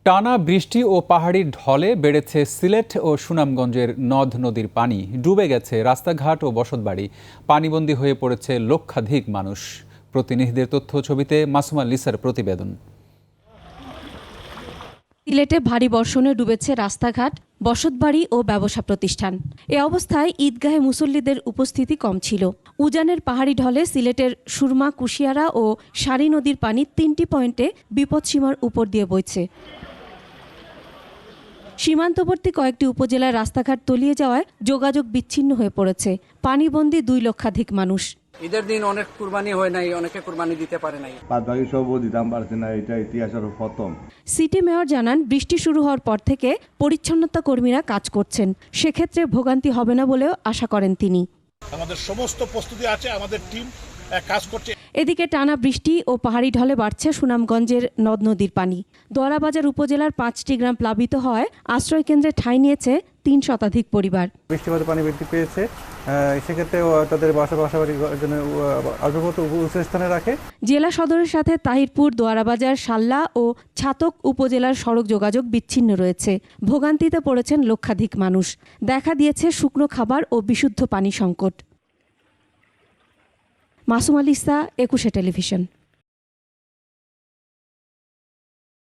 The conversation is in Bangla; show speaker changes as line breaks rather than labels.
টানা বৃষ্টি ও পাহাড়ি ঢলে বেড়েছে সিলেট ও সুনামগঞ্জের নদ নদীর পানি। ডুবে গেছে রাস্তাঘাট ও বসতবাড়ি। পানিবন্দী হয়ে পড়েছে লক্ষাধিক মানুষ। প্রতিনিধিদের তথ্য ছবিতে মাসুমা লিসার প্রতিবেদন।
সিলেটে ভারী বর্ষণে ডুবেছে রাস্তাঘাট, বসতবাড়ি ও ব্যবসা প্রতিষ্ঠান। এ অবস্থায় ঈদগাহে মুসল্লিদের উপস্থিতি কম ছিল। উজানের পাহাড়ি ঢলে সিলেটের সুরমা, কুশিয়ারা ও সারি নদীর পানি ৩টি পয়েন্টে বিপদসীমার উপর দিয়ে বইছে। সীমান্তবর্তী কয়েকটি উপজেলার রাস্তাঘাট তলিয়ে যাওয়ায় যোগাযোগ বিচ্ছিন্ন হয়ে পড়েছে। পানিবন্দী ২ লক্ষাধিক মানুষ।
ঈদের দিন অনেক কুরবানি হয় নাই, অনেকে কুরবানি দিতে পারে নাই।
বাদবাকি সবও দিতাম পারছে না, এটা ইতিহাসের প্রথম।
সিটি মেয়র জানান, বৃষ্টি শুরু হওয়ার পর থেকে পরিচ্ছন্নতা কর্মীরা কাজ করছেন। সেক্ষেত্রে ভোগান্তি হবে না বলেও আশা করেন তিনি।
আমাদের সমস্ত প্রস্তুতি আছে, আমাদের টিম কাজ করছে।
এদিকে টানা বৃষ্টি ও পাহাড়ি ঢলে বাড়ছে সুনামগঞ্জের নদ নদীর পানি। দোয়ারাবাজার উপজেলার ৫টি গ্রাম প্লাবিত হওয়ায় আশ্রয়কেন্দ্রে ঠাঁই নিয়েছে ৩ শতাধিক পরিবার।
বৃষ্টিপাতে পানি বৃদ্ধি পেয়েছে, সেক্ষেত্রে তাদের বাসাবাড়ির জন্য আগ্রহত উঁচু স্থানে রাখে।
জেলা সদরের সাথে তাহিরপুর, দোয়ারাবাজার, সাল্লা ও ছাতক উপজেলার সড়ক যোগাযোগ বিচ্ছিন্ন রয়েছে। ভোগান্তিতে পড়েছেন লক্ষাধিক মানুষ। দেখা দিয়েছে শুকনো খাবার ও বিশুদ্ধ পানি সংকট। Masuma Lisa, ২১ television.